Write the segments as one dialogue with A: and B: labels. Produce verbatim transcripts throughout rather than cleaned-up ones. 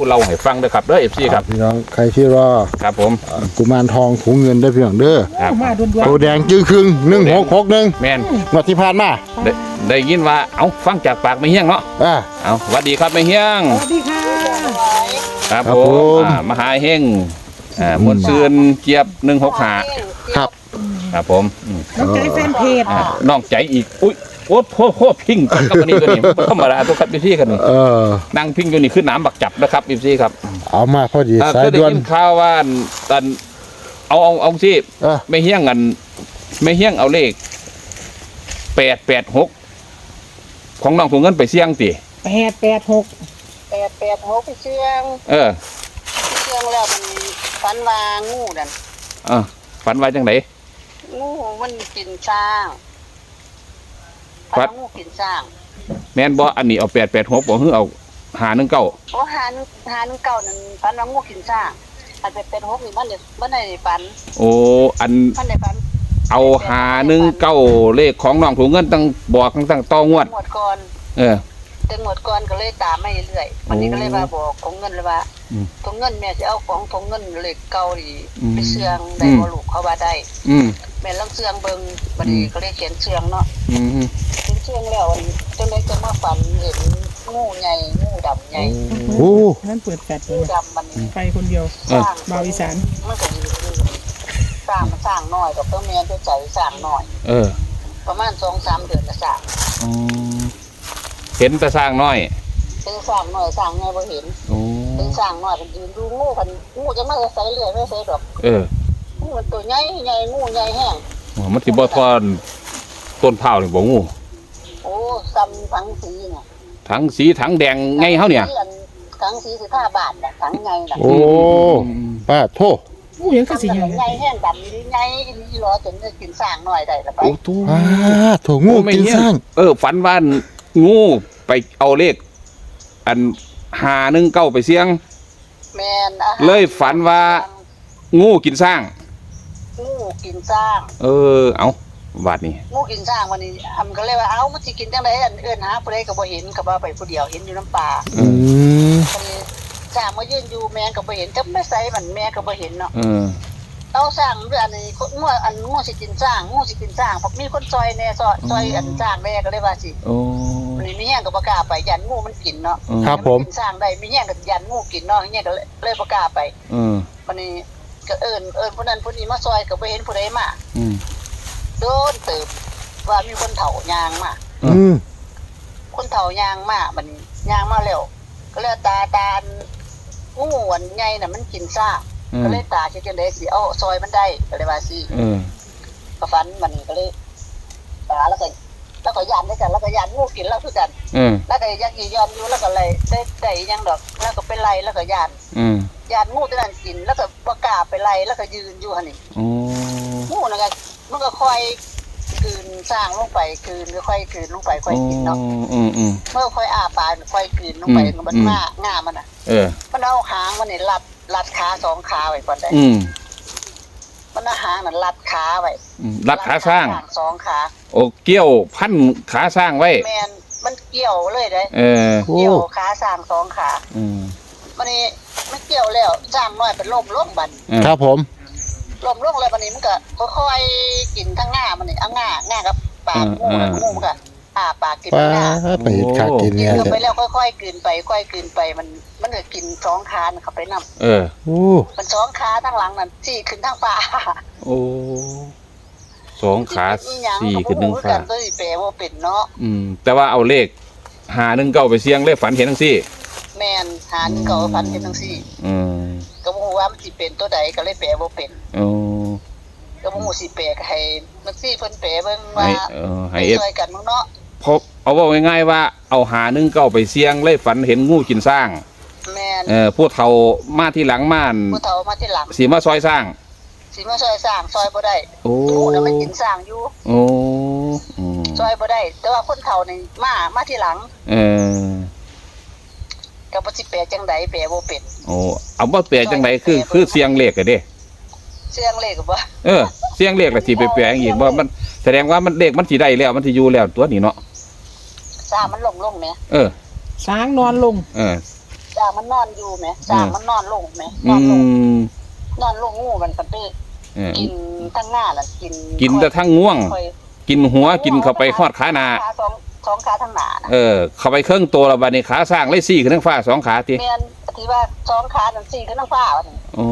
A: พูดเราให้ฟังด้วยครับเด้อเอฟซีครับ
B: พี่น้องใครที่รอ
A: ครับผม
B: กุมารทองถุงเงินได้เพียงเด้อ
C: มาด่วนๆ
B: ตัวแดงจึงครึ่งหนึ่งหกหกหนึ่ง
A: แม่น
B: งวดที่ผ่านมา
A: ได้ได้ยินว่าเอาฟังจากปากไม่เฮี้ยงเนาะ
B: อ่า
A: เอาสวัสดีครับไม่เฮี้ยง
C: สวัสดีค่ะ
A: ครับผมมหาเฮงอ่ามวลซืนเจี๊ยบหนึ่งหกห้า
B: ครับ
A: ครับผม
C: น้องใจแฟนเพจ
A: น้องใจอีกอุ้ยโคตรโคตรโคตรพิงกับวันนี้ตัวนี้ธรรมดาตัวครับพี่กัน
B: เออ
A: นั่งพิงอยู่นี่คือน้ำบักจับนะครับพี่ครับ
B: เอามาพอดี
A: สายด่วนข่าวว่าตอนเอาเอาเอาสิไม่เฮี้ยงกันไม่เฮี้ยงเอาเลขแปดแปดหกของน้องถุงเงินไปเสี่ยงตี
C: แปดแปดหก
D: แปดแปดหกไปเชียง
A: เออ
D: เชียงแล้วมันฝันว่างูนั่น
A: เออฝันว่าจังไหน
D: งูมันกินสร้างฝันงูกินสร้าง
A: แม่นบ่อันนี้เอาแปดแปดหกบ่คือเอาหาหนึ่งเก้า
D: โอ้หาหาหนึ่งเก้านั่นฝันว่างูกินสร้างอันแปดแปดหกนี่มันเนี่ยมันในฝัน
A: โอ้อัน
D: มันในฝัน
A: เอาหาหนึ่งเก้าเลขของน้องถุงเงินตั้งบอกตั้งตั้งต่องวด
D: งวดก่อน
A: เออ
D: แต่งวดก่อนก็เลยตามไม่เรื่อยวันนี้ก็เลยมาบอกของเงินเลยว่าของเงินแม่จะเอาของของเงินเลขเก่าดีไปเชื่องได้บ่ลูกเขาว่าได้แม่ลังเชื่องเบิ่งวันนี้ก็เลยเขียนเชื่องเนาะเขียนเชื่องแล้วจังได๋จะมาฝันเห็นงูใหญ่งูดำใหญ่
B: โอ้
C: นั่นเปิดแฟลช
D: งูดำมัน
C: ไปคนเดียวบ่าวอีสาน
D: มันก็สร้างมันสร้างน้อยกับเพิ่นแม่นใจสร้างน้อย
A: เออ
D: ประมาณ สองสาม เดือนก็สร้าง
A: อ๋อเห็นแต่สร้างน้อย
D: เป็นสร้างน้อยสร้างไงบ่เห็น
A: โอ้
D: เป็นสร้างน้อยมันยืนดูงูมันงูจะมาใส่เรื่อยไม่ใส่ดอก
A: เออ
D: งูมันตัวใหญ่ใหญ่งูใหญ่แห้ง
A: มันสิบ่ทอนต้นเผานี่บ่งู
D: โอ้ซ้ำถังสีเนี่ย
A: ถังสีถังแดงไงเฮาเนี่ย
D: ถังสีสิบห้าบาทน่ะถังใหญ่น่ะ
B: โอ้ป้าโท
C: งูยังคือสิใหญ่
D: ใหญ่แห้งดำนี่ใหญ่อีหลอจนจะกินสร้างน้อยได้ละไป
A: โอ้ตัว
B: อ่าโถงูกินสร้าง
A: เออฝันว่างูไปเอาเลขอันหาหนึ่งเก้าไปเสี่ยง
D: แม่น
A: เลยฝันว่างูกินสร้าง
D: งูกินสร้าง
A: เออเอาบาดนี้
D: งูกินสร้างวันนี้อำก็เลยว่าเอ้ามันสิกินจังได๋อันเอิ้นหาผู้ใดก็บ่เห็นก็บ่ไปผู้เดียวเห็นอยู่น้ำป่า
B: อืม
D: สร้างมายืนอยู่แม่ก็บ่เห็นจังไม่ใส่มันแม่ก็บ่เห็นเนาะ
A: เออ
D: เอาสร้างเรื่องนี้งูอันงูสิกินสร้างงูสิกินสร้างพวกมีคนซอยแน่ซอยซอยอันสร้างแม่ก็เลยว่าสิ
A: โอ้
D: นี่มีแห้งก็บ่กล้าไปยันงูมันกินเนาะ
B: ครับผม
D: กินสร้างได้มีแห้งก็ยันงูกินเนาะเงี้ยก็เลยบ่กล้าไป
A: อือ
D: วันนี้ก็เอิ้นเอิ้นผู้นั้นผู้นี้มาซอยก็บ่เห็นผู้ใดมา
A: อือ
D: โดนเติบว่ามีคนเฒ่ายางมา
B: อือ
D: คนเฒ่ายางมาบัดนี้ยางมาแล้วก็เลยตาตางูอันใหญ่น่ะมันกินซ่าก็เลยตาคิดจังได๋สิเอาซอยมันได้ก็เลยว่าสิ
A: อือ
D: ก็ฝันมันก็เลยตาแล้วก็แล้วก็ยานด้วยกันแล้วก็ยานงูกินแล้วคือกัน
A: อือ
D: แล้วก็ยักยอมอยู่แล้วก็เลยได้ได้ยังดอกแล้วก็ไปไล่แล้วก็ยาน
A: อื
D: อยานงูตัวนั้นกินแล้วก็บ่กล้าไปไล่แล้วก็ยืนอยู่หั่นนี่
A: อ๋อ
D: งูนั่นก็มันก็ค่อยคืนสร้างลงไปคืนค่อยๆคืนลงไปค่อยกินเนาะ
A: อือ
D: ๆเมื่อค่อยอ้าปากค่อยคืนลงไปมันง่าง่ามันน่ะ
A: เออ
D: มันเอาหางมันนี่ลัดลัดขาสองขาไว้ก่อนได้
A: อืม
D: มันเอาหางนั่นลัดขาไว้
A: ลัดขาสร้าง
D: สองขา
A: โอ้เกี่ยวพันขาสร้างไว้
D: แม่นมันเกี่ยวเลยเด้
A: เออ
D: เกี่ยวขาสร้างสองขา
A: อืม
D: มันนี่มันเกี่ยวแล้วสร้างน้อยเป็นล่มล่มบัด
B: ครับผม
D: ล่มล่มแล้วบัดนี้มันก็ค่อยๆกินทั้งง่ามันนี่เอาง่าง่ากับปากงูงูมันก็อ่าปากกินง่า
B: ไปเฮ็ดขากินเนี่ย
D: ไปแล้วค่อยๆกลืนไปค่อยๆกลืนไปมันมันก็กินสองขาเข้าไปนำ
A: เออ
B: โอ้
D: มันสองขาทั้งหลังนั่นสี่ขึ้นทั้งฟ้า
A: โอ้สองขาสี่ขึ้นหนึ่งฟ้า
D: ตัวสิแปลว่าเป็นเนาะ
A: อืมแต่ว่าเอาเลขหาหนึ่งเก้าไปเสี่ยงเลขฝันเห็นจังซี่
D: แม่นหาหนึ่งเก้าฝันเห็นจังซี่
A: อืม
D: ก็บ่ฮู้ว่ามันสิเป็นตัวใดก็เลยแปลบ่เป็น
A: โอ้
D: ก็บ่ฮู้สิแปลก็ให้มันสิเพิ่นแปลเบิ่งว่า
A: เออให้เอ็ด
D: ช่วยกันมึงเนาะ
A: พอเอาว่าง่ายๆว่าเอาหาหนึ่งเก้าไปเสี่ยงเลยฝันเห็นงูกินสร้าง
D: แม่น
A: เออผู้เฒ่ามาที่หลังม่าน
D: ผู้เฒ่ามาที่หลัง
A: สิมาซอยสร้าง
D: สิมาซอยสร้างซอยบ่ได้
A: โอ้
D: งูน่ะมันกินสร้างอยู่
A: โอ้
D: อืมซอยบ่ได้แต่ว่าคนเฒ่านี่มามาที่หลัง
A: เออ
D: ก็บ่สิแปลจังได๋แปลบ่เป็น
A: โอ้เอาบ่แปลจังไดคือคือเสียงเลขอ่ะเด้
D: เสียงเลขบ่
A: เออเสียงเลขล่ะสิไปแปลอีกบ่มันแสดงว่ามันเลขมันสิได้แล้วมันสิอยู่แล้วตัวนี้เนาะ
D: สร้างมันลงลงแหม
A: เออ
C: ช้างนอนลง
A: เออ
D: สจ้างมันนอนอยู่ไหมจ้างมันนอนลงไหมน
A: อื
D: อนลง
A: ม
D: นอนลงงูมันก็ไป
A: เออ
D: กินทั้งหน้าน่ะกิน
A: กินแต่ทั้งง่วง
D: ค่อย
A: กินหัวกินเข้าไปฮอดขาหน้า
D: ขาสองสองขาทั้งหน้าน่ะ
A: เออ เข้าไปเครื่องตัวแล้วบัดนี้ขาสร้างเลยสี่ขึ้นทั้งฟ้าสองขาติ
D: แม่นที่ว่าสองขานั่นสี่ขึ้นทั้งฟ้าว่าซั่น
A: อ๋อ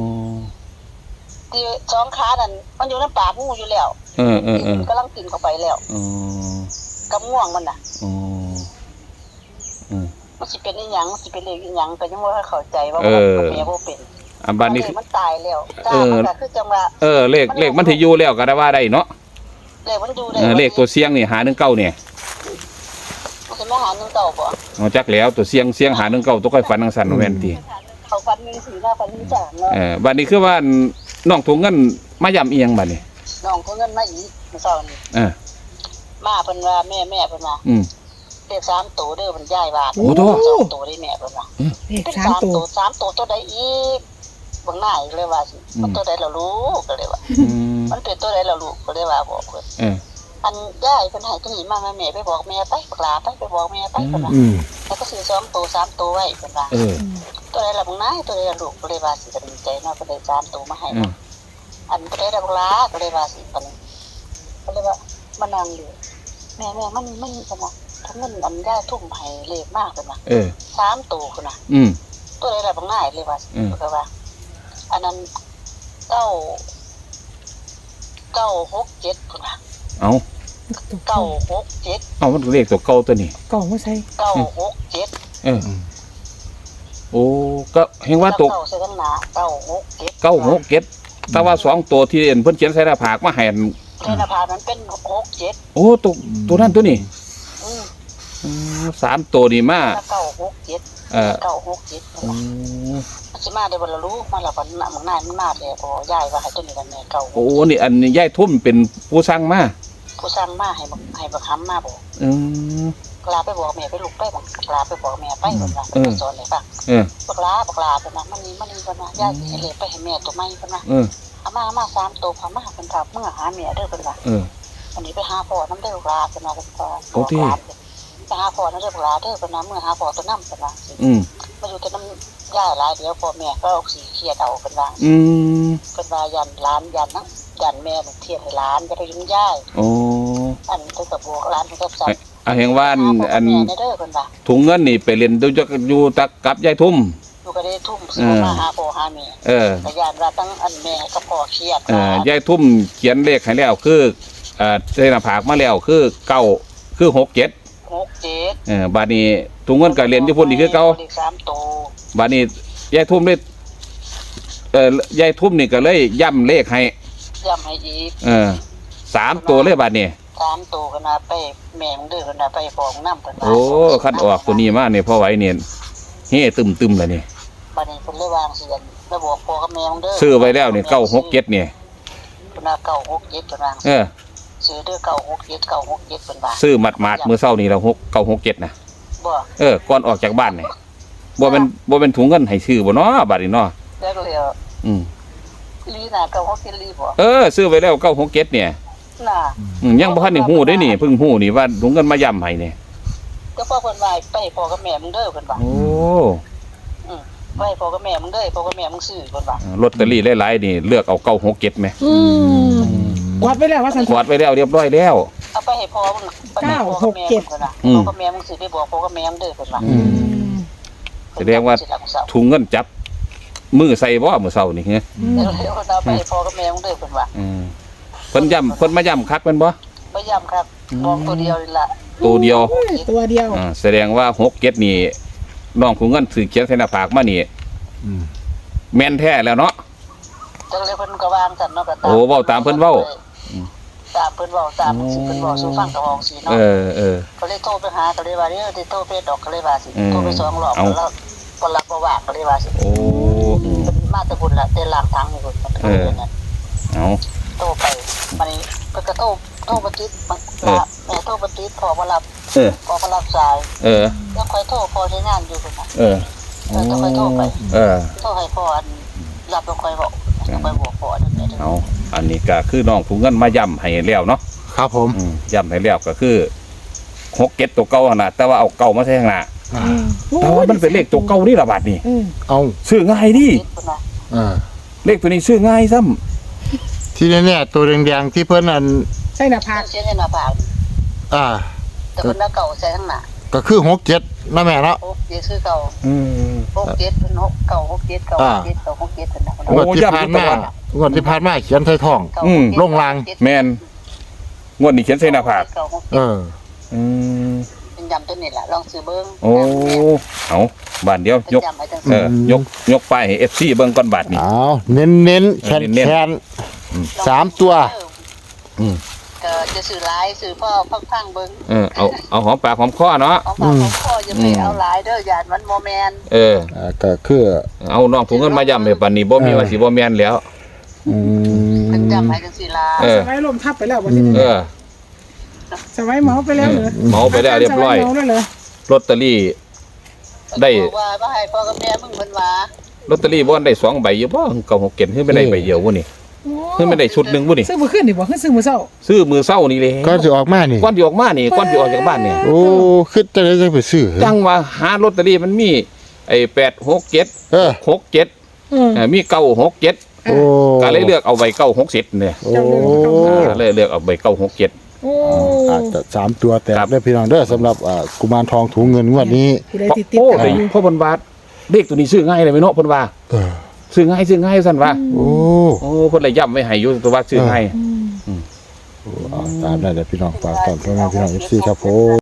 D: ที่สองขานั่นมันอยู่ในปากงูอยู่แล้ว
A: เออเออเออ
D: กำลังกินเข้าไปแล้ว
A: อ๋อ
D: กับง่วงมันน่ะ
A: อ๋ออืม
D: มันสิเป็นอีหยังมันสิเป็นเลขอีหยังก็ยังบ่เข้าใจว่า
A: เอ
D: มัน
A: อ
D: เป็นบ่เป็น
A: อันบัดนี้
D: มันตายแล้วจ้า
A: เออ
D: มันก็คือจังว่า
A: เออเลขเลขมันที่อยู่แล้วก็ได้ว่าได้เนาะ
D: เลขมันอยู่ได้
A: เออเลขตัวเสียงนี่หาหนึ่งเก้าเนี่ย
D: มันสิมาหาหนึ่งเก่าบ่
A: เอาจักแล้วตัวเสียงเสียงหาหนึ่งเก้าตัวค่อยฝันทางสันแม่นติ
D: เขาฟันหนึ่งสีหน้าฟันหนึ่งจางเนาะ
A: เออบัดนี้คือว่าน้องถุงเงินมาย่ำเอียงบัดนี้
D: น้องเขาเงินมาอีกมื้อเช้านี่
A: เออ
D: มาเพิ่นว่าแม่แม่เพิ่นว่า
A: อืม
D: เลขสามตัวเด้อเพิ่นย้ายบ้าน
A: โอ้โธ่
D: สองตัวได้แม่เพิ่นว่า
C: เลข
D: เป็น
C: สาม
D: สาม
C: ตัว
D: ตัวสามตัวตัวใดอีกเบิ่งหน้าอีกเลยว่าสิมันตัวใดล่ะลูกก็เลยว่า
A: อืม
D: มันเป็นตัวใดล่ะลูกก็เลยว่าบอกเพิ่น
A: เออ
D: อันย้ายเพิ่นให้ตัวนี้มาแม่แม่ไปบอกแม่ไปบักหลาไปไปบอกแม่ไปเพิ่นว่า
B: อืม
D: แล้วก็ซื้อสองตัวสามตัวไว้เพิ่นว่า
A: เออ
D: ตัวใดล่ะบักนายตัวใดล่ะลูกก็เลยว่าสิก็ดีใจเนาะก็เลยสามตัวมาให้
A: อืม
D: เนาะอันตัวใดล่ะบักหลาก็เลยว่าสิเพิ่นก็เลยว่ามานั่งอยู่แม่แม่มันมันเพิ่นว่าทั้งเงินอันย้ายทุ่มให้เลขมากเพิ่นว่า
A: เออ
D: สามตัวเพิ่นน่ะ
A: อืม
D: ตัวใดล่ะบักนายเลยว่าสิ
A: อืม
D: ก็ว่า อันนั้นเก้าเก้าหกเจ็ดพุ่นน่ะ
A: เอา
D: เก้าหกเจ็ด
A: เอามันเลขตัวเก่าตัวนี้
C: กล่องไม่ใช่
D: เก้าหกเจ็ด
A: เออ โอ้ ก็เห็นว่าตก
D: เก้าใส่ข้างหน้าเก้าหกเจ็ด
A: เก้าหกเก็ดแต่ว่าสองตัวที่เห็นเพิ่นเขียนใส่หน้าผากมาแห่น
D: ในหน้าผากนั้นเป็นหกเจ็ด
A: โอ้ตัวตัวนั้นตัวนี้
D: อืม
A: อืมสามตัวนี่มา
D: แล้วเก้าหกเจ็ด
A: เออ
D: เก้าหกเจ็ด
A: โอ้
D: มันสิมาได้บ่ล่ะลูกมาแล้วก็น่ะมันนายมันมาแล้วพอยายว่าให้ตัวนี้กันแม่เก้า
A: โอ้นี่อันนี้ยายทุ่มเป็นผู้สร้างมา
D: ผู้สร้างมาให้บักให้บักคำมาบอก
A: อืม
D: กลาไปบอกแม่ไปลูกไปบักกลาไปบอกแม่ไปบักลา
A: เออ
D: สอนให้ฟัง
A: เออ
D: บักลาบักลาเพิ่นว่ามันนี่มันนี่เพิ่นว่ายายสิให้เลขไปให้แม่ตัวใหม่เพิ่นว่า
A: เออ
D: เอามาเอามาสามตัวพอมาเพิ่นถามเมื่อหาแม่เด้อเพิ่นว่า
A: เออ
D: วันนี้ไปหาพ่อน้ำเด้อบักลาเพิ่นว่าเพิ่นว่า
A: โอ้ที่
D: ไปหาพ่อน้ำเด้อบักลาเด้อเพิ่นว่าเมื่อหาพ่อตัวน้ำเพิ่นว่า
A: อืม
D: มาอยู่แต่น้ำย่าหลายเดี๋ยวพ่อแม่ก็เอาสีเครียดเอาเพิ่นว่า
A: อืม
D: เพิ่นว่ายันร้านยันนะยันแม่มันเทียนให้ร้านจะไปยุ่งย่าย
A: โอ้
D: อันเพิ่นก็บอกร้านเพิ่นก็สั่ง
A: อ่ะเห็นว่าอันอัน
D: แม่ในเด้อเพิ่นว่า
A: ถุงเงินนี่ไปเรียนดูจะอยู่ตักกับยายทุ่ม
D: อยู่ก็ได้ทุ่มซื้อมาหาพ่อหาแม่
A: เออ
D: ก็ยันว่าตั้งอันแม่กับพ่อเครียด
A: เอ่อยายทุ่มเขียนเลขให้แล้วคือเอ่อใส่หน้าผากมาแล้วคือเก้าคือหกเจ็ด
D: หกเจ็ด
A: เออบาดนี้ถุงเงินก็เรียนอยู่พุ่นนี่คือเก่า
D: เลขสามตัว
A: บาดนี้ยายทุ่มเลยเอ่อยายทุ่มนี่ก็เลยย่ำเลขให้
D: ย้ำให้อีก
A: เออสามตัวเลยบาดนี้
D: สามตัวกันนะไปแม่มึงเด้อกันนะไปฟองน้ำกันนะ
A: โอ้คัดออกตัวนี้มาเนี่ยพอไหวเนี่ยเฮ้ตึมตึมๆแล้วนี่
D: บัดนี้เพิ่นเลยวางเสียนไปบอกพ่อกับแม่มึงเด้อ
A: ซื้อไว้แล้วเนี่ยเก้าหกเจ็ดเนี่ย
D: เพิ่นว่าเก้าหกเจ็ดเพิ่นวาง
A: เออ
D: ซื้อเด้อเก้าหกเจ็ดเก้าหกเจ็ดเพิ่นว่า
A: ซื้อหมัดหมาดๆมือเศร้านี่เราหกเก้าหกเจ็ดนะ
D: บ่
A: เออก่อนออกจากบ้านเนี่ยบ่เป็นบ่เป็นถุงเงินให้ซื้อบ่เนาะบาดนี้เนาะ
D: แล้วก็เลย
A: อืม
D: ลีน่ะเก้าหกเจ็ดลีบ่
A: เออซื้อไว้แล้วเก้าหกเจ็ดเนี่ย
D: น่ะ
A: อืมยังบ่ทันได้ฮู้ได้นี่เพิ่งฮู้นี่ว่าถุงเงินมาย่ำให้นี่
D: ก็พ่อเพิ่นว่าไปให้พ่อกับแม่มึงเด้อเพิ่นว่า
A: โอ้
D: อือไปให้พ่อกับแม่มึงเด้อให้พ่อกับแม่มึงซื้อเพิ่นว่า
A: ลอตเตอรี่หลายๆนี่เลือกเอาเก้าหกเจ็ดไหม
C: อืมกวาดไปแล้วว่าสัน
A: กวาดไว้แล้วเรียบร้อยแล้ว
D: เอาไปให้พ่อมึงไปให้พ่อกับแม่มึงเพิ่นว่า
A: อืม
D: พ่อกับแม่มึงซื้อไปบอกพ่อกับแม่มึงเด้อเพิ่นว่า
A: อืม แสดงว่า ถุงเงินจับมือใส่บ่มื้อเช้านี่เฮ้ย
D: แล้วเลยเอาไปให้พ่อกับแม่มึงเด้อเพิ่นว่า
A: อืมเพิ่นย่ำเพิ่นมาย่ำคักแม่นบ่
D: บ่ย้ำครับบอกตัวเดียวนี่ล่ะ
A: ตัวเดียว
C: ตัวเดียว
A: อ่าแสดงว่าหกเจ็ดนี่น้องถุงเงินถือเขียนใส่หน้าผากมานี่
B: อืม
A: แม่นแท้แล้วเนาะ
D: จังเลยเพิ่นก็วางซั่นเนาะก็
A: โอ้เว้าตามเพิ่นเว้า
D: ตามเพิ่นเว้าตามสิเพิ่นเว้าสู่ฟังก็เว้าสิ
A: เอ
D: เนาะ
A: อเออ
D: ก็เลยโทรไปหาก็เลยว่าเด้อได้โทรไปดอกก็เลยว่าสิ
A: อืม
D: โทรไปสองรอบ
A: เอา
D: แล้วบ่รับบ่ว่างก็เลยว่าสิ
A: โอ้อืม
D: เพิ่นมาแต่บุญละแต่ล้างทางอยู่พุ่นมันก็เลยนั่น
A: เอา
D: โทรไปมันนี้เพิ่นก็โทรโทรบ่ติดมัน
A: เออ
D: ละแม่โทรบ่ติดพ่อบ่รับ
A: เออ
D: พ่อบ่รับสาย
A: เออ
D: แล้วค่อยโทรพ่อใช้งานอยู่พุ่นน่ะ
A: เออ
D: เออต้องค่อยโทรไป
A: เออ
D: โทรให้พ่ออันรับแล้วค่อยเว้าต้องค่อยบอกพ่อนั่นแหละ
A: เอาอันนี้ก็คือน้องถุงเงินมาย่ำให้แล้วเนาะ
B: ครับผม
A: อืมย่ำให้แล้วก็คือหกเก็ดตัวเก่าขนาดแต่ว่าเอาเก่ามาใส่ข้างหน้า
B: ค
A: แต่ว่ามันเป็นเลขตัวเก่านี่ละบาทนี่
C: อืม
B: เอา
A: ซื้อง่ายดิ
B: อ่า
A: เลขตัวนี้ซื้อง่ายซ้ำ
B: ที่แน่ๆตัวแดงๆที่เพิ่นอัน
C: ใช่หน้าผา
D: ภาก คเสียในหน้าผาก
B: อ่า
D: แต่คนละเก่าใส่ทั้งหน้า
B: ก็คือหกเจ็ดนะแม่เนาะ
D: หกเจ็ดคือเก่า
A: อืม
D: หกเจ็ดเป็นหกเก่าหกเจ็ดเก่าหกเจ็ดเก่าหกเจ็ดเป็นหน้า
A: โอ้
B: งวดที่
A: ย้ำ
B: ผ่าน
A: อยู่ต
B: มา
A: ลอด
B: งวดที่ผ่านมาเขียนใส่ท้อง
A: อืม
B: ลงราง
A: แมนงวดนี้เขียนใส่หน้าผาก
B: เออ
A: อืม
D: เป็นยำตัวนี้แหละลองซื้อเบิ้ง
A: โอ้เอาบาทเดียวยก
D: ยำไปจัง
A: เออยกยกป้ายให้ เอฟ ซี เบิ่งก่อนบาทนี่
B: เอาเน้นเน้นๆแคน
A: เน้นๆ
B: แคนสามตัว
A: อืม
D: ก็จะซื้อหลายซื้อพ่อพังๆเบิ้ง
A: เออเอาเอาหอมปากหอมคอเนาะ
D: เอาฝากของพ่ออย่าไปเอาหลายเด้อหยาดมันโมแมน
A: เออ
B: อ่าก็คือ
A: เอาน้องถุงเงินมาย้ำให้ปานนี้บ่มีว่าสิบ่แม่นแล้ว
B: อืม
D: เป็นยำให้จังซี่ล่ะ
A: เออ
C: สมัยลมทับไปแล้ววันนี้
A: เออ
C: สมัยเมาไปแล้วเหรอ
A: เหมาไปแล้วเรียบร้อย
C: สมัเมาแล้วเหรอ
A: ลอตเตอรี่ ได้
D: บอกว่าบ่ให้พ่อกับแม่มึงเพิ่นว่า
A: ลอตเตอรี่บ่ได้สองใบอยู่บ่เก่าหกเก็ดคือไม่ได้ใบเดียวบ่นี่คือไม่ได้ชุดหนึงบ่นี่
C: ซื้อมือขึ้นดิบ่ขึ้นซื้อมือเศร้า
A: ซื้อมือเศร้านี่เลย
B: ก็จะออกมานี่
A: ก่อนสิออกมานี่ก่อนสิออกจากบ้านนี่
B: โอ้คือจะได้ไปซื้อ
A: จังว่าหาลอตเตอรี่มันมีไอ้แปด หก เจ็ด
B: เออ
A: หก เจ็ด
C: อืม
A: เอ่อมีเก้า หก เจ็ด
B: โอ้
A: ก็เลยเลือกเอาใบเก้า หก เจ็ดเนี่ย
B: โอ้
A: อ่าเลยเลือกเอาใบเก้า หก เจ็ด
C: โอ้
B: อาจจะสามตัวแต่
A: ครับ
B: ได้พี่น้องเด้อสำหรับอ่ากุมารทองถุงเงินงวดนี้
C: ผู้ใดติดติด
A: โอ้
C: กัน
A: ได้
C: อยู่
A: พ่อเพิ่นว่าเลขตัวนี้ซื้อง่ายเลยไหมเนาะเพิ่นว่า
B: เออ
A: ซื้อง่ายซื้อง่ายซั่นว่า
B: โอ้
A: โอ้เพิ่นเลยย้ำไว้ให้อยู่ตัวว่าซื้อง่าย
C: อืม
B: เอาตามได้เลยพี่น้องฝากตอนพ่อแม่พี่น้องเอฟซีครับผม